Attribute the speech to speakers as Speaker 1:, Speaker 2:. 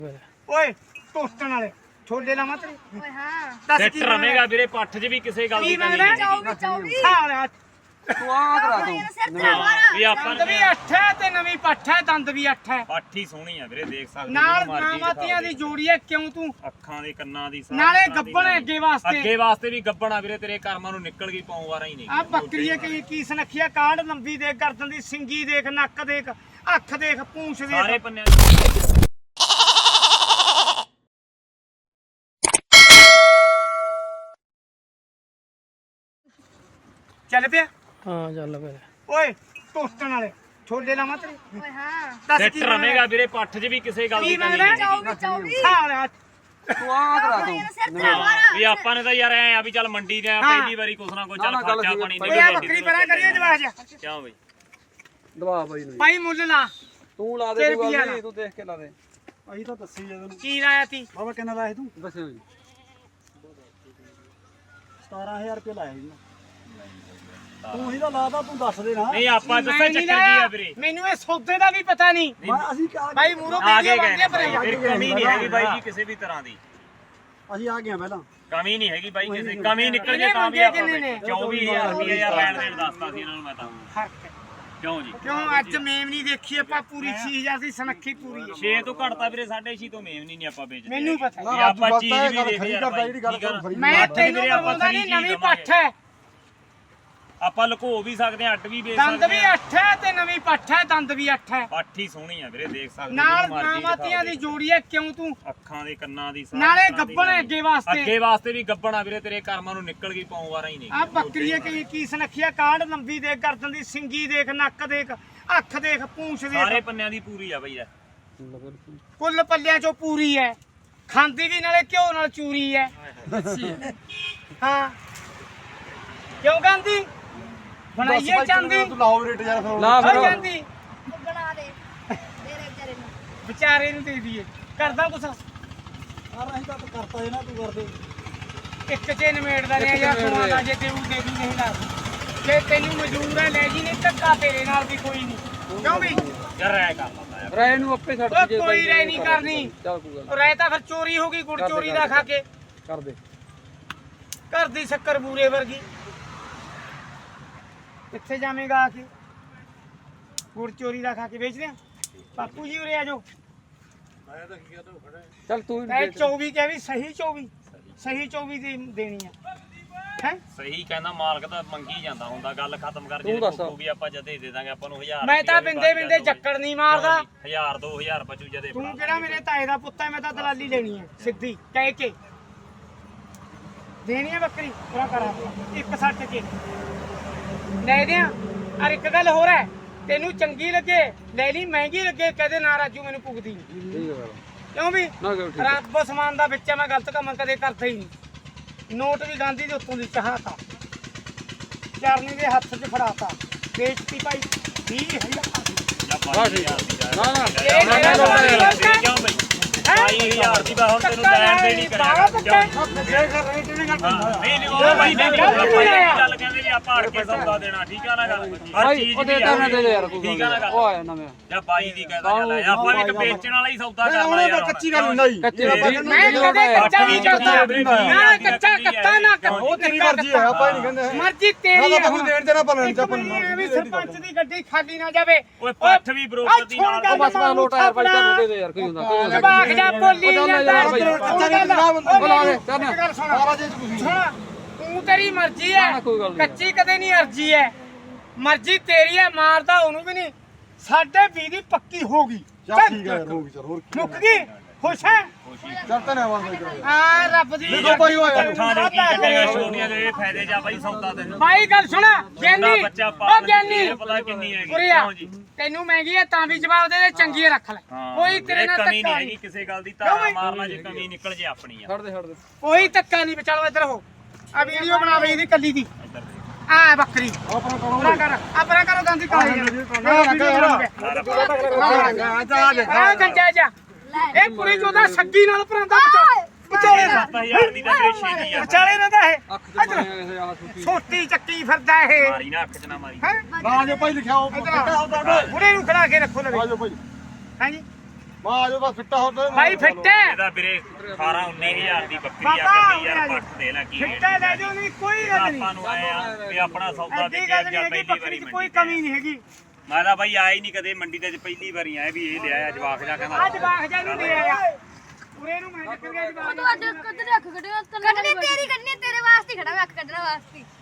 Speaker 1: ਓਏ ਟੋਸਟਣ ਵਾਲੇ ਛੋਲੇ ਲਾਵਾਂ ਤੇਰੇ
Speaker 2: ਓਏ ਹਾਂ
Speaker 1: ਦੱਸ
Speaker 3: ਸੈੱਟ
Speaker 1: ਕੀ
Speaker 3: ਰਵੇਗਾ ਵੀਰੇ ਪੱਠ 'ਚ ਵੀ ਕਿਸੇ ਗੱਲ ਦੀ ਕਮੀ ਨਹੀਂ
Speaker 2: ਚੌਵੀ
Speaker 1: ਸਾਰਾ
Speaker 4: ਤੂੰ ਆ ਕਰਾ ਤੂੰ
Speaker 3: ਵੀ ਆਪਾਂ
Speaker 1: ਦੰਦ ਵੀ 8 ਹੈ ਤੇ ਨਵੀਂ ਪੱਠ ਹੈ ਦੰਦ ਵੀ 8 ਹੈ
Speaker 3: ਪੱਠ ਹੀ ਸੋਹਣੀ ਆ ਵੀਰੇ ਦੇਖ ਸਕਦੇ
Speaker 1: ਨਾਲ ਨਾਮਾਤੀਆਂ ਦੀ ਜੋੜੀ ਹੈ ਕਿਉਂ ਤੂੰ
Speaker 3: ਅੱਖਾਂ ਦੇ ਕੰਨਾਂ ਦੀ
Speaker 1: ਨਾਲੇ ਗੱਬਣ ਹੈ ਅੱਗੇ ਵਾਸਤੇ
Speaker 3: ਅੱਗੇ ਵਾਸਤੇ ਵੀ ਗੱਬਣ ਆ ਵੀਰੇ ਤੇਰੇ ਕਰਮਾਂ ਨੂੰ ਨਿਕਲ ਗਈ ਪਾਉਂ ਵਾਰਾ ਹੀ ਨਹੀਂ
Speaker 1: ਆ ਬੱਕਰੀ ਹੈ ਕੀ ਸੁਨੱਖੀਆ ਕਾਂਡ ਲੰਬੀ ਦੇਖ ਗਰਦਨ ਦੀ ਸਿੰਗੀ ਦੇਖ ਨੱਕ ਦੇਖ ਅੱਖ ਦੇਖ ਪੂੰਛ
Speaker 3: ਸਾਰੇ
Speaker 1: ਦੇਖ
Speaker 3: ਪੰਨਿਆਂ
Speaker 1: ਚੱਲ ਪਿਆ
Speaker 4: ਹਾਂ ਚੱਲ ਫਿਰ
Speaker 1: ਓਏ ਟੋਸਟਣ ਵਾਲੇ ਛੋਲੇ ਲਾਵਾਂ ਤੇਰੇ
Speaker 2: ਓਏ ਹਾਂ
Speaker 1: ਦੱਸ
Speaker 3: ਸੈੱਟ
Speaker 1: ਕੀ
Speaker 3: ਰਵੇਗਾ ਵੀਰੇ ਪੱਠ 'ਚ ਵੀ ਕਿਸੇ ਗੱਲ ਦੀ
Speaker 1: ਕੀ
Speaker 3: ਕਮੀ
Speaker 1: ਮੰਗਦਾ?
Speaker 3: ਨਹੀਂ
Speaker 2: ਚੌਵੀ
Speaker 1: ਸਾਰਾ
Speaker 4: ਤੂੰ ਆ ਕਰਾ ਤੂੰ
Speaker 3: ਵੀ ਆਪਾਂ ਨੇ ਤਾਂ ਯਾਰ ਐ ਆ ਵੀ ਚੱਲ ਮੰਡੀ ਦੇ ਆ ਪਹਿਲੀ ਵਾਰੀ ਕੁਛ ਨਾ ਕੁਛ ਚੱਲ
Speaker 4: ਨਾ, ਗੱਲ
Speaker 3: ਖਰਚਾ
Speaker 4: ਸਹੀ ਆ।
Speaker 3: ਪਾਣੀ
Speaker 1: ਓਏ ਆ ਬੱਕਰੀ ਪਰਾਂ ਕਰੀਏ ਜਵਾਜ
Speaker 3: ਕਿਉਂ ਬਈ
Speaker 4: ਦਵਾ ਬਾਈ ਨੂੰ
Speaker 1: ਭਾਈ ਮੁੱਲ ਲਾ
Speaker 4: ਤੂੰ ਲਾ ਦੇ
Speaker 1: ਤੇਰੇ
Speaker 4: ਤੂੰ
Speaker 1: ਕੀ
Speaker 4: ਗੱਲ
Speaker 1: ਆ?
Speaker 4: ਨਹੀਂ ਤੂੰ ਦੇਖ ਕੇ ਲਾ ਦੇ
Speaker 5: ਅਸੀਂ ਤਾਂ ਦੱਸੀ ਜਦੋਂ
Speaker 1: ਕੀ ਲਾਇਆ ਤੀ
Speaker 5: ਬਾਬਾ ਕਿੰਨਾ ਲਾਇਆ ਤੂੰ
Speaker 4: ਦੱਸਿਓ ਜੀ
Speaker 5: 17000 ਰੁਪਏ ਲਾਇਆ ਜੀ ਤੂੰ ਹੀ ਤਾਂ ਲਾਦਾ ਤੂੰ ਦੱਸ ਦੇ ਨਾ
Speaker 3: ਨਹੀਂ ਆਪਾਂ ਦੱਸਿਆ
Speaker 1: ਮੈਂ ਨਹੀਂ
Speaker 3: ਚੱਕਰ ਕੀ
Speaker 1: ਲਾਇਆ।
Speaker 3: ਆ ਵੀਰੇ
Speaker 1: ਮੈਨੂੰ ਇਹ ਸੌਦੇ ਦਾ ਵੀ ਪਤਾ ਨਹੀਂ
Speaker 5: ਅਸੀਂ ਕਿਹਾ
Speaker 1: ਭਾਈ ਮੂਰੋ
Speaker 3: ਆ
Speaker 1: ਵੀਡੀਓ
Speaker 3: ਕੇ
Speaker 1: ਬਣਦੀ
Speaker 3: ਗਏ
Speaker 1: ਪਰ
Speaker 3: ਫਿਰ ਕਮੀ ਨਹੀਂ ਹੈਗੀ ਬਾਈ ਜੀ ਕਿਸੇ ਵੀ ਤਰ੍ਹਾਂ ਦੀ
Speaker 5: ਅਸੀਂ ਆ ਗਏ ਪਹਿਲਾਂ
Speaker 3: ਕਮੀ ਨਹੀਂ ਹੈਗੀ ਬਾਈ ਕਿਸੇ ਕਮੀ ਨਿਕਲ ਜੇ
Speaker 1: ਇਹਨੇ
Speaker 3: ਤਾਂ ਵੀ
Speaker 1: ਮੰਗੇ
Speaker 3: ਆਪਾਂ
Speaker 1: ਕਿੰਨੇ ਨੇ?
Speaker 3: 24000 ਰੁਪਏ ਯਾਰ ਲੈਣ ਦੇਣ ਦੱਸਤਾ ਸੀ ਇਹਨਾਂ ਨੂੰ ਮੈਂ ਤਾਂ ਕਿਉਂ ਜੀ
Speaker 1: ਕਿਉਂ ਅੱਜ ਮੇਮ ਨਹੀਂ ਦੇਖੀ ਆਪਾਂ ਪੂਰੀ 6000 ਦੀ ਸਨੱਖੀ ਪੂਰੀ ਹੈ
Speaker 3: 6 ਤੋਂ ਘਟਦਾ ਵੀਰੇ 6.5 ਤੋਂ ਮੇਵ ਨਹੀਂ ਆਪਾਂ ਵੇਚਦੇ
Speaker 1: ਮੈਨੂੰ ਪਤਾ
Speaker 3: ਵੀ ਆਪਾਂ ਚੀਜ਼ ਵੀ ਦੇਖ ਯਾਰ ਬਾਈ
Speaker 5: ਜਿਹੜੀ ਗੱਲ ਕਰੂ
Speaker 1: ਮੈਂ
Speaker 3: ਪੱਠ
Speaker 1: ਤੈਨੂੰ
Speaker 3: ਵੀਰੇ ਆਪਾਂ
Speaker 1: ਬੋਲਦਾ ਨਹੀਂ
Speaker 3: ਖਰੀ
Speaker 1: ਨਵੀਂ
Speaker 3: ਚੀਜ਼
Speaker 1: ਪੱਠ ਹੈ
Speaker 3: ਆਪਾਂ ਲੁਕੋ ਵੀ ਸਕਦੇ ਆ ਅੱਡ ਵੀ ਵੇਚ
Speaker 1: ਦੰਦ
Speaker 3: ਸਕਦੇ
Speaker 1: ਵੀ
Speaker 3: ਆ
Speaker 1: 8 ਹੈ ਤੇ ਨਵੀਂ ਪੱਠ ਹੈ ਦੰਦ ਵੀ 8 ਹੈ
Speaker 3: ਪੱਠ ਹੀ ਸੋਹਣੀ ਆ ਵੀਰੇ ਦੇਖ ਸਕਦੇ
Speaker 1: ਨਾਲ
Speaker 3: ਜਿਹਨੂੰ ਮਰਜ਼ੀ
Speaker 1: ਨਾਮਾਤੀਆਂ ਦੀ
Speaker 3: ਦਿਖਾ
Speaker 1: ਜੋੜੀ ਹੈ ਕਿਉਂ ਤੂੰ
Speaker 3: ਦੇ। ਅੱਖਾਂ ਦੇ ਕੰਨਾਂ ਦੀ
Speaker 1: ਨਾਲੇ ਗੱਬਣ ਹੈ ਅੱਗੇ ਵਾਸਤੇ
Speaker 3: ਅੱਗੇ ਵਾਸਤੇ ਵੀ ਗੱਬਣ ਆ ਵੀਰੇ ਤੇਰੇ ਕਰਮਾਂ ਨੂੰ ਨਿਕਲ ਗਈ ਪਾਉਂ ਵਾਰਾ ਹੀ ਨਹੀਂ
Speaker 1: ਆ ਬੱਕਰੀ ਹੈ ਕੀ ਸੁਨੱਖੀਆ ਕਾਂਡ ਲੰਬੀ ਦੇਖ ਗਰਦਨ ਦੀ ਸਿੰਗੀ ਦੇਖ ਨੱਕ ਦੇਖ ਅੱਖ ਦੇਖ ਪੂੰਛ
Speaker 3: ਸਾਰੇ
Speaker 1: ਦੇਖ
Speaker 3: ਪੰਨਿਆਂ ਦੀ ਪੂਰੀ ਆ ਬਈ ਯਾਰ
Speaker 1: ਕੁੱਲ ਪੱਲਿਆਂ ਚੋਂ ਪੂਰੀ ਹੈ ਖਾਂਦੀ ਵੀ ਨਾਲੇ ਘਿਓ ਨਾਲ ਚੂਰੀ ਹੈ ਹਾਂ ਕਿਉਂ ਗਾਂਦੀ ਬਣਾਈਏ ਚਾਂਦੀ
Speaker 5: ਤੂੰ ਲਾਓ ਰੇਟ ਯਾਰ ਫਿਰ
Speaker 4: ਲਾ
Speaker 1: ਹੋ
Speaker 4: ਫਿਰ
Speaker 1: ਜਾਂਦੀ
Speaker 2: ਬਣਾ ਦੇ ਤੇਰੇ ਵਿਚਾਰੇ ਨੂੰ
Speaker 1: ਵਿਚਾਰੇ ਨੂੰ ਦੇ ਦਈਏ ਕਰਦਾ ਕੁਛ
Speaker 5: ਯਾਰ ਅਸੀਂ ਤਾਂ ਕਰਤਾ ਜੇ ਨਾ ਤੂੰ ਕਰਦੇ
Speaker 1: ਇੱਕ ਚੇ ਨਿਮੇੜਦਾ ਰਿਹਾ ਯਾਰ ਤੂੰ ਆਦਾ ਜੇ ਦੇਊ ਦੇ ਦੂ ਨਹੀਂ ਲਾ ਜੇ ਤੈਨੂੰ ਮਜਬੂਰ ਹੈ ਲੈ ਜੀ ਨਹੀਂ ਧੱਕਾ ਤੇਰੇ ਨਾਲ ਵੀ ਕੋਈ ਨਹੀਂ ਕਿਉਂ ਵੀ
Speaker 3: ਯਾਰ ਰਹਿ ਕਰ ਲੰਦਾ ਯਾਰ
Speaker 4: ਰਾਏ ਨੂੰ ਆਪੇ ਛੱਡ
Speaker 1: ਉਹ
Speaker 4: ਦੇ
Speaker 1: ਕੋਈ ਰਾਏ ਨਹੀਂ ਕਰਨੀ
Speaker 4: ਚੱਲ ਕੋਈ ਗੱਲ
Speaker 1: ਉਹ ਰਹਿ ਤਾਂ ਫਿਰ ਚੋਰੀ ਹੋ ਗਈ ਗੁੜ ਚੋਰੀ ਦਾ ਖਾ ਕੇ
Speaker 4: ਕਰ ਦੇ
Speaker 1: ਘਰ ਦੀ ਸ਼ੱਕਰ ਬੂਰੇ ਵਰਗੀ ਕਿੱਥੇ ਜਾਵੇਂਗਾ ਆ ਕੇ ਗੁੜ ਚੋਰੀ ਦਾ ਖਾ ਕੇ ਵੇਚਦੇ ਆ ਬਾਪੂ ਜੀ ਉਰੇ ਆ ਜਾਓ
Speaker 4: ਚੱਲ ਤੂੰ
Speaker 1: ਇਹ 24 ਕਹਿ ਵੀ ਸਹੀ 24 ਸਹੀ 24 ਦੀ ਦੇਣੀ ਆ ਹੈ
Speaker 3: ਸਹੀ ਕਹਿੰਦਾ ਮਾਲਕ ਤਾਂ ਮੰਗੀ ਜਾਂਦਾ ਹੁੰਦਾ ਗੱਲ ਖਤਮ ਕਰ
Speaker 4: ਤੂੰ
Speaker 3: ਜੇ
Speaker 4: ਦੱਸ।
Speaker 3: ਵੀ ਆਪਾਂ ਜਦੇ ਦੇ ਦਾਂਗੇ ਆਪਾਂ ਨੂੰ 1000
Speaker 1: ਮੈਂ ਤਾਂ ਬਿੰਦੇ ਬਿੰਦੇ ਚੱਕਰ ਨਹੀਂ ਮਾਰਦਾ
Speaker 3: 1000 2000 ਬਚੂ ਜਦੇ
Speaker 1: ਤੂੰ ਕਿਹੜਾ ਮੇਰੇ ਤਾਏ ਦਾ ਪੁੱਤ ਹੈ ਮੈਂ ਤਾਂ ਦਲਾਲੀ ਲੈਣੀ ਹੈ ਸਿੱਧੀ ਕਹਿ ਕੇ ਦੇਣੀ ਹੈ ਬੱਕਰੀ ਪੂਰਾ ਕਰਾ ਇੱਕ ਸੱਟ ਕੇ ਲੈ ਦਿਆਂ ਔਰ ਇੱਕ ਗੱਲ ਹੋਰ ਹੈ ਤੈਨੂੰ ਚੰਗੀ ਲੱਗੇ ਲੈ ਲਈ ਮਹਿੰਗੀ ਲੱਗੇ ਕਹਦੇ ਨਾ ਰਾਜੂ ਮੈਨੂੰ ਪੁੱਗਦੀ ਨਹੀਂ
Speaker 4: ਠੀਕ ਹੈ
Speaker 1: ਕਿਉਂ ਵੀ
Speaker 4: ਨਾ ਕਿਉਂ ਠੀਕ
Speaker 1: ਰੱਬ ਸਮਾਨ ਦਾ ਵਿੱਚ ਮੈਂ ਗਲਤ ਕੰਮ ਕਦੇ ਕਰਦਾ ਹੀ ਨਹੀਂ ਨੋਟ ਵੀ ਗਾਂਧੀ ਦੇ ਉੱਤੋਂ ਦੀ ਚਾਹਤਾ ਚਰਨੀ ਦੇ ਹੱਥ 'ਚ ਫੜਾਤਾ ਵੇਚਤੀ ਭਾਈ 20000
Speaker 4: ਵਾਹ ਠੀਕ ਹੈ ਨਾ ਨਾ
Speaker 1: ਇਹ ਮੇਰਾ ਸਵਾਲ
Speaker 3: ਕਿਉਂ ਬਈ 22000 ਦੀ ਬਾ ਹੁਣ ਤੈਨੂੰ ਲੈਣ ਦੇਣੀ ਕਰਿਆ ਨਹੀਂ ਨਹੀਂ ਉਹ ਬਾਈ ਨੇ ਗੱਲ ਕਹਿੰਦੇ ਵੀ ਆਪਾਂ ਅੜ ਕੇ ਸੌਦਾ ਦੇਣਾ ਠੀਕ ਆ ਨਾ ਗੱਲ ਹਰ
Speaker 4: ਭਾਈ
Speaker 3: ਚੀਜ਼
Speaker 4: ਉਹ ਦੇ ਤਾਂ ਦੇ ਦੇ ਯਾਰ ਕੋਈ
Speaker 3: ਠੀਕ ਆ ਨਾ ਗੱਲ
Speaker 4: ਉਹ ਆਇਆ ਨਵੇਂ
Speaker 3: ਜਾਂ ਬਾਈ ਦੀ ਕਹਿੰਦਾ ਚੱਲ ਆਪਾਂ ਵੀ ਇੱਕ ਵੇਚਣ ਵਾਲਾ ਹੀ ਸੌਦਾ ਕਰਨਾ ਯਾਰ
Speaker 5: ਕੱਚੀ ਗੱਲ ਨਹੀਂ
Speaker 4: ਕੱਚੇ
Speaker 1: ਮੈਂ ਕਦੇ ਕੱਚਾ ਨਹੀਂ ਕਰਦਾ ਨਾ ਕੱਚਾ ਕੱਤਾ ਨਾ
Speaker 5: ਉਹ ਤੇਰੀ ਮਰਜ਼ੀ ਹੈ ਆਪਾਂ ਨਹੀਂ ਕਹਿੰਦੇ
Speaker 1: ਮਰਜ਼ੀ ਤੇਰੀ
Speaker 5: ਨਾ ਕੋਈ ਦੇਣ ਦੇਣਾ ਭਲਣ ਚ
Speaker 1: ਵੀ ਸਰਪੰਚ ਦੀ ਗੱਡੀ ਖਾਲੀ ਨਾ ਜਾਵੇ
Speaker 3: ਓਏ ਪੱਠ ਵੀ ਬਰੋਬਰ ਦੀ ਨਾਲ
Speaker 4: ਉਹ ਬਸ ਬਸ ਲੋਟਾ ਯਾਰ ਭਾਈ ਤੈਨੂੰ ਦੇ ਦੇ ਯਾਰ ਕੋਈ ਹੁੰਦਾ ਕੋਈ
Speaker 1: ਜਵਾਕ ਜਾ ਬੋਲੀ ਜਾਂਦਾ
Speaker 5: ਕੱਚਾ ਨਹੀਂ ਨਾ ਬੰਦਾ
Speaker 4: ਬੁਲਾ ਦੇ ਚੱਲ ਨਾ
Speaker 1: ਗੱਲ ਸੁਣ
Speaker 5: ਸਾਰਾ ਜੇ ਤੁਸੀਂ
Speaker 1: ਸੁਣ ਤੂੰ ਤੇਰੀ ਮਰਜ਼ੀ ਹੈ
Speaker 4: ਨਾ, ਕੋਈ ਗੱਲ ਨਹੀਂ।
Speaker 1: ਕੱਚੀ ਕਦੇ ਨਹੀਂ ਅਰਜੀ ਹੈ ਮਰਜ਼ੀ ਤੇਰੀ ਹੈ ਮਾਰਦਾ ਉਹਨੂੰ ਵੀ ਨਹੀਂ 20.5 ਦੀ ਪੱਕੀ ਹੋ ਗਈ
Speaker 5: ਚੱਲ ਠੀਕ ਹੈ ਹੋ ਗਈ ਚਲ ਹੋਰ ਕੀ
Speaker 1: ਮੁੱਕ ਗਈ ਖੁਸ਼ ਹੈ
Speaker 5: ਚੱਲ ਤਾਂ ਨਾ ਆਵਾਜ਼ ਕਰਾਂਗੇ
Speaker 1: ਆ ਰੱਬ ਦੀ
Speaker 5: ਦੇਖੋ ਭਾਈ ਉਹ ਯਾਰ
Speaker 3: ਪੱਠਾਂ ਦੇ ਕੀ ਕੱਢੇਗਾ ਛੋਟੀਆਂ ਦੇ ਇਹ ਫਾਇਦੇ ਜਾ ਬਾਈ ਸੌਦਾ ਤੈਨੂੰ
Speaker 1: ਭਾਈ ਗੱਲ ਸੁਣ ਗਿਆਨੀ
Speaker 3: ਬੱਚਾ
Speaker 1: ਉਹ
Speaker 3: ਪਾਲ
Speaker 1: ਗਿਆਨੀ
Speaker 3: ਪਤਾ ਕਿੰਨੀ ਹੈਗੀ
Speaker 1: ਉਰੀਆ
Speaker 3: ਕਿਉਂ ਜੀ
Speaker 1: ਤੈਨੂੰ ਮਹਿੰਗੀ ਹੈ ਤਾਂ ਵੀ ਜਵਾਬ ਦੇ ਦੇ ਚੰਗੀ ਰੱਖ ਲੈ ਕੋਈ ਤੇਰੇ ਨਾਲ
Speaker 3: ਕਮੀ
Speaker 1: ਧੱਕਾ
Speaker 3: ਨਹੀਂ ਹੈਗੀ
Speaker 1: ਨਹੀਂ
Speaker 3: ਕਿਸੇ ਗੱਲ ਦੀ ਤਾਰਾ ਮਾਰਨਾ ਜੇ ਕਮੀ ਨਿਕਲ ਜੇ ਆਪਣੀ ਆ
Speaker 4: ਛੱਡ ਦੇ ਛੱਡ ਦੇ
Speaker 1: ਕੋਈ ਧੱਕਾ ਨਹੀਂ ਵਿਚਾਲੋ ਇੱਧਰ ਹੋ ਆ ਵੀਡੀਓ ਬਣਾਵੇ ਇਹਦੀ ਕੱਲੀ ਦੀ ਆ ਬੱਕਰੀ
Speaker 5: ਆਪਣਾ
Speaker 1: ਪੂਰਾ ਕਰ ਆਪਣਾ ਕਰੋ ਗਾਂਧੀ ਕਾਲੇ ਆ ਗੰਜਾ ਜਾ ਇਹ ਕੁੜੀ ਚੋਦਾ ਸੱਗੀ ਨਾਲ ਪਰਾਂਦਾ ਵਿਚਾਲੇ ਦਾ
Speaker 3: 7000 ਦੀ ਤਾਂ ਗ੍ਰੇਸ਼ੀ ਦੀ ਆ
Speaker 1: ਵਿਚਾਲੇ ਨਾ ਦਾ ਇਹ
Speaker 4: ਅੱਖ ਚ ਪਾਣੀ ਆ ਛੁੱਟੀ
Speaker 1: ਛੋਟੀ ਚੱਕੀ ਫਿਰਦਾ ਇਹ
Speaker 3: ਮਾਰੀ ਨਾ ਅੱਖ ਚ ਨਾ ਮਾਰੀ
Speaker 1: ਹੈ
Speaker 5: ਨਾ ਜੋ ਭਾਈ ਲਿਖਿਆ ਉਹ
Speaker 1: ਬੁੜੇ ਨੂੰ ਖੜਾ ਕੇ ਰੱਖੋ ਲਵੇ
Speaker 5: ਆਜੋ ਭਾਈ
Speaker 1: ਹਾਂਜੀ
Speaker 5: ਮਾਂ ਆਜੋ ਬਸ ਫਿੱਟਾ ਹੋ ਤੇ
Speaker 1: ਭਾਈ ਫਿੱਟ ਹੈ
Speaker 3: ਇਹਦਾ ਵੀਰੇ 18 19000 ਦੀ ਬੱਕਰੀ ਆ
Speaker 1: ਬਾਬਾ
Speaker 3: ਕੱਟੀ ਯਾਰ ਪੱਟ ਦੇ ਲੈ ਕੀ
Speaker 1: ਫਿੱਟ ਹੈ ਲੈ ਜਾਓ ਨਹੀਂ ਕੋਈ ਗੱਲ ਨਹੀਂ
Speaker 3: ਆਪਾਂ ਨੂੰ ਆਏ ਆ ਵੀ ਆਪਣਾ ਸੌਦਾ
Speaker 1: ਐਡੀ
Speaker 3: ਵਿਕਿਆ
Speaker 1: ਗੱਲ
Speaker 3: ਜਾਂ
Speaker 1: ਨਹੀਂ ਹੈਗੀ
Speaker 3: ਪਹਿਲੀ
Speaker 1: ਬੱਕਰੀ
Speaker 3: ਵਾਰੀ
Speaker 1: 'ਚ ਕੋਈ
Speaker 3: ਮੰਡੀ
Speaker 1: ਕਮੀ ਨਹੀਂ ਹੈਗੀ
Speaker 3: ਮੈਂ ਤਾਂ ਬਾਈ ਆਇਆ ਹੀ ਨਹੀਂ ਕਦੇ ਮੰਡੀ ਤੇ ਪਹਿਲੀ ਵਾਰੀ ਆਇਆ ਵੀ ਇਹ ਲਿਆਇਆ ਜਵਾਕ ਜਾ ਕਹਿੰਦਾ
Speaker 1: ਅੱਜ ਬਾਖ ਜਾ ਨੂੰ ਲੈ ਆਇਆ ਪੂਰੇ ਨੂੰ ਮੈਂ ਟੱਕਰ ਗਿਆ ਜਵਾਬ
Speaker 2: ਤੂੰ ਅੱਜ ਕੱਢ ਰੱਖ ਕੱਢਣਾ ਤੇਰੀ ਕੱਢਣੀ ਤੇਰੇ ਵਾਸਤੇ ਖੜਾ ਮੈਂ ਅੱਖ ਕੱਢਣ ਵਾਸਤੇ